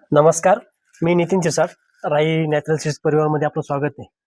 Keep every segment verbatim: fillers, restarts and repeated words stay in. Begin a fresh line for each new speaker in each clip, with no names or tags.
नमस्कार, मी नितीन चिसाट. राई natural seeds परिवारमध्ये आपलं स्वागत आहे.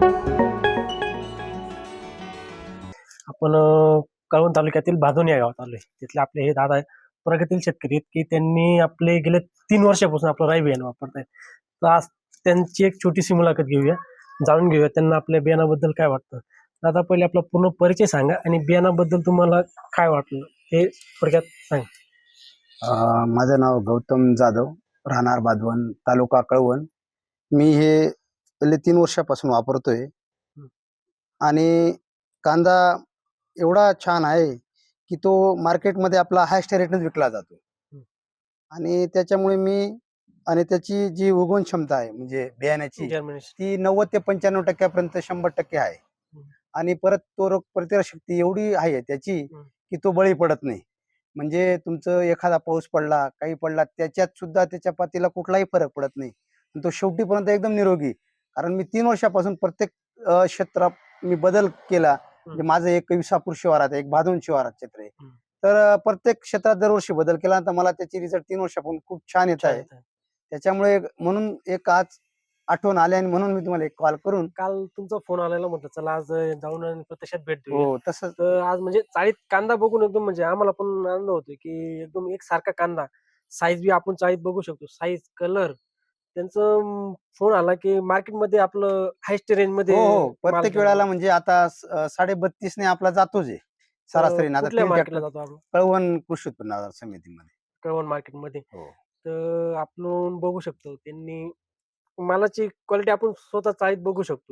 आपण अ, कळवण तालुक्यातील भादोन या गावात आलोय. तिथले आपले हे दादा प्रगतील शेतकरी आहेत, की त्यांनी आपले गेले तीन वर्षापासून आपलं राई बियाणं वापरतायत. तर आज त्यांची एक छोटीशी मुलाखत घेऊया, जाणून घेऊया त्यांना आपल्या बियाणाबद्दल काय वाटतं. दादा, पहिले आपला पूर्ण परिचय सांगा आणि बियाणाबद्दल तुम्हाला काय वाटलं हे थोडक्यात सांगा.
अ, माझं नाव गौतम जाधव, राहणार बाधवन, तालुका कळवण. मी हे गेले तीन वर्षापासून वापरतोय आणि कांदा एवढा छान आहे की तो मार्केटमध्ये आपला हायस्ट रेटनेच विकला जातो.
हं.
आणि त्याच्यामुळे मी आणि त्याची जी उगवण क्षमता आहे म्हणजे बियाण्याची
जर्मिनेशन.
ती नव्वद ते पंच्याण्णव टक्क्यापर्यंत शंभर टक्के आहे.
हं.
आणि परत तो रोग प्रतिकारशक्ती एवढी आहे त्याची
हं.
की तो बळी पडत नाही. म्हणजे तुमचं एखादा पाऊस पडला, काही पडला, त्याच्यात सुद्धा त्याच्या पातीला कुठलाही फरक पडत नाही. आणि तो शेवटीपर्यंत एकदम निरोगी. कारण मी तीन वर्षापासून प्रत्येक अ, क्षेत्रात मी बदल केला. म्हणजे माझं एक विसापूर शिवारात आहे, एक भादोन शिवारात क्षेत्र आहे.
हं.
तर अ, प्रत्येक क्षेत्रात दरवर्षी बदल केला तर मला त्याची रिझल्ट तीन वर्षापासून खूप छान येत आहे. त्याच्यामुळे म्हणून एक आज आठवण आली आणि म्हणून मी तुम्हाला एक कॉल करून
काल तुमचा फोन आलेला, म्हटलं चला आज जाऊन आणि प्रत्यक्षात भेट देऊया.
हो तसंच
तर आज म्हणजे चाळीत कांदा बघून एकदम म्हणजे आम्हाला पण आनंद होतोय, की एकदम एकसारखा कांदा, साईज बी आपण चाळीत बघू शकतो, साईज, कलर. त्यांचं फोन आला की मार्केटमध्ये आपलं हायस्ट रेंज
हो
मध्ये
हो
माल
प्रत्येक
गेला.
वेळेला म्हणजे आता अ, साडे बत्तीस ने आपला जातोच आहे
तर
सरासरी. आता
कुठल्या
तीन
मार्केटला
ट्रॅक्टर
जातो आपण?
कळवण कृषी उत्पन्न बाजार समितीमध्ये.
कळवण मार्केटमध्ये.
हो
तर आपण बघू शकतो त्यांनी मालाची क्वालिटी आपण स्वतः चाळीत बघू शकतो.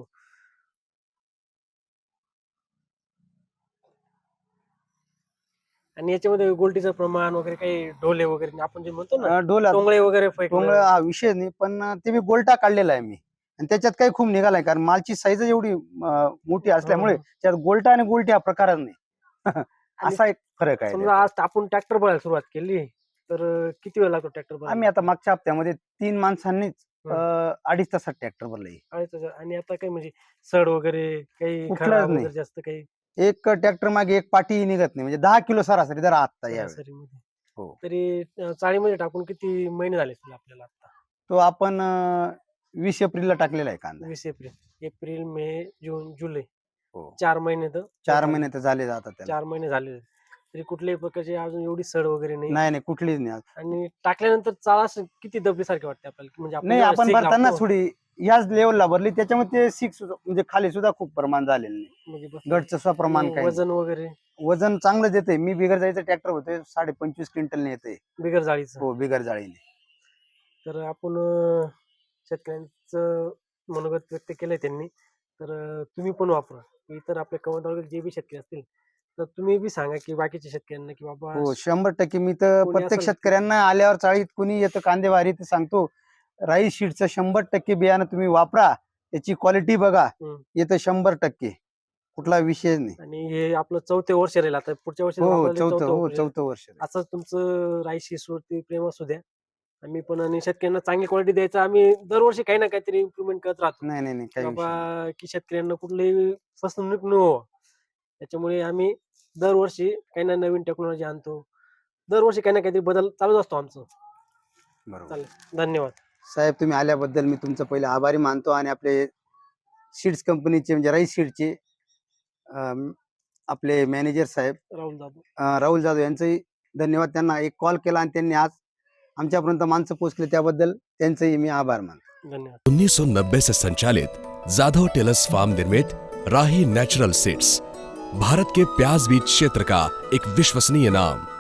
आणि याच्यामध्ये गोल्टीचं प्रमाण वगैरे काही ढोले वगैरे आपण जे म्हणतो ना,
अ, डोला
टोंगळे वगैरे
टोंगळ
फेकणं.
हा विषय नाही, पण ते मी गोलटा काढलेला आहे मी. आणि त्याच्यात काही खूप निघालाय कारण मालची साईज एवढी अ, मोठी
हं,
असल्यामुळे
हं.
त्यात गोलटा आणि गोलटी हा प्रकारच नाही.
आणि
असा एक फरक आहे
समजा
त्याच्यात.
आज आपण ट्रॅक्टर बघायला सुरुवात केली, तर अ, किती वेळ लागतो ट्रॅक्टर
आम्ही
बघायला?
आता मागच्या हप्त्यामध्ये तीन माणसांनीच अ,
हं.
अडीच तासात ट्रॅक्टर भरले.
अडीच हजार. आणि आता काही म्हणजे सड वगैरे काही
कुठलंच
खराब
नाही.
वगैरे जास्त काही
एक ट्रॅक्टर मागे एक पाटी निघत नाही. म्हणजे दहा किलो सरासरी जरा आत्ता यावेळी.
सरासरीमध्ये.
हो.
तरी अ, चाळीमध्ये टाकून किती महिने झाले असतील आपल्याला आता?
तो आपण अ, वीस एप्रिलला टाकलेला आहे कांदा.
वीस एप्रिल. एप्रिल, मे, जून, जुलै
हो.
चार महिने तर
चार
होत
महिने
आले.
तर झाले आता त्याला.
चार महिने झाले. तरी कुठल्याही प्रकारची अजून एवढी सड वगैरे नाही.
नाही, नाही कुठलीच नाही.
आणि टाकल्यानंतर चाळ असं किती दबल्यासारखी वाटते आपल्याला, की म्हणजे आपण
नाही,
जेव्हा
आपण
सीग
भरताना
लावतो
थोडी याच लेवलला भरली त्याच्यामुळे ते सिक्स म्हणजे खाली सुद्धा खूप प्रमाण झालेलं नाही.
म्हणजे बस
गडचं सुद्धा प्रमाण
आणि
काही नाही.
वजन वगैरे
वजन चांगलं देते. मी बिगर जाळीचं ट्रॅक्टर होते साडे पंचवीस क्विंटल येते.
बिगर जाळीचं.
हो बिगर जाळीने.
तर आपण अ, शेतकऱ्यांचं मनोगत व्यक्त केलंय त्यांनी. तर अ, तुम्ही पण वापरा. इतर आपल्या कवठ तालुक्यात जे बी शेतकरी असतील, तर तुम्ही बी सांगा की बाकीच्या शेतकऱ्यांना, की बाबा
हो शंभर टक्के मी तर
कोणी
प्रत्येक
असेल की
शेतकऱ्यांना आल्यावर चाळीत कुणी येतं कांदेवारी ते सांगतो राई शीटचं शंभर टक्के बियाणं तुम्ही वापरा. त्याची क्वालिटी बघा.
हं.
येतं शंभर टक्के. कुठला विषय नाही.
आणि हे आपलं चौथे वर्ष राहील आता. पुढच्या वर्षी
हो
वापरायला
चौथं
चौथं
हो
वर्ष.
चौथं वर्ष आहे.
असंच तुमचं राई शीट्सवरती प्रेम असू द्या. आम्ही पण आणि शेतकऱ्यांना चांगली क्वालिटी द्यायचा आम्ही दरवर्षी काही ना काहीतरी इम्प्रुव्हमेंट करत राहतो,
नाही नाही नाही
की
काही विषय नाही.
बाबा की शेतकऱ्यांना कुठलीही फसवणूक न व्हावं. त्याच्यामुळे आम्ही दरवर्षी काही ना नवीन टेक्नॉलॉजी आणतो. दरवर्षी काही ना काहीतरी बदल चालूच असतो आमचं.
बरोबर.
चालेल. धन्यवाद.
साहेब तुम्ही आल्याबद्दल मी तुमचं पहिले आभारी मानतो आणि आपले सीड्स कंपनीचे म्हणजे राईस सीडचे आपले मॅनेजर साहेब
राहुल जाधव.
अ, राहुल जाधव यांचंही धन्यवाद. त्यांना एक कॉल केला आणि त्यांनी आज आमच्यापर्यंत माणसं पोहोचले त्याबद्दल त्यांचंही मी आभार मानतो.
धन्यवाद.
उन्नीस सौ नब्बे से संचालित जाधव टेलर्स फार्म निर्मित राही नेचुरल सीड्स भारत के प्याज बीज क्षेत्र का एक विश्वसनीय नाम।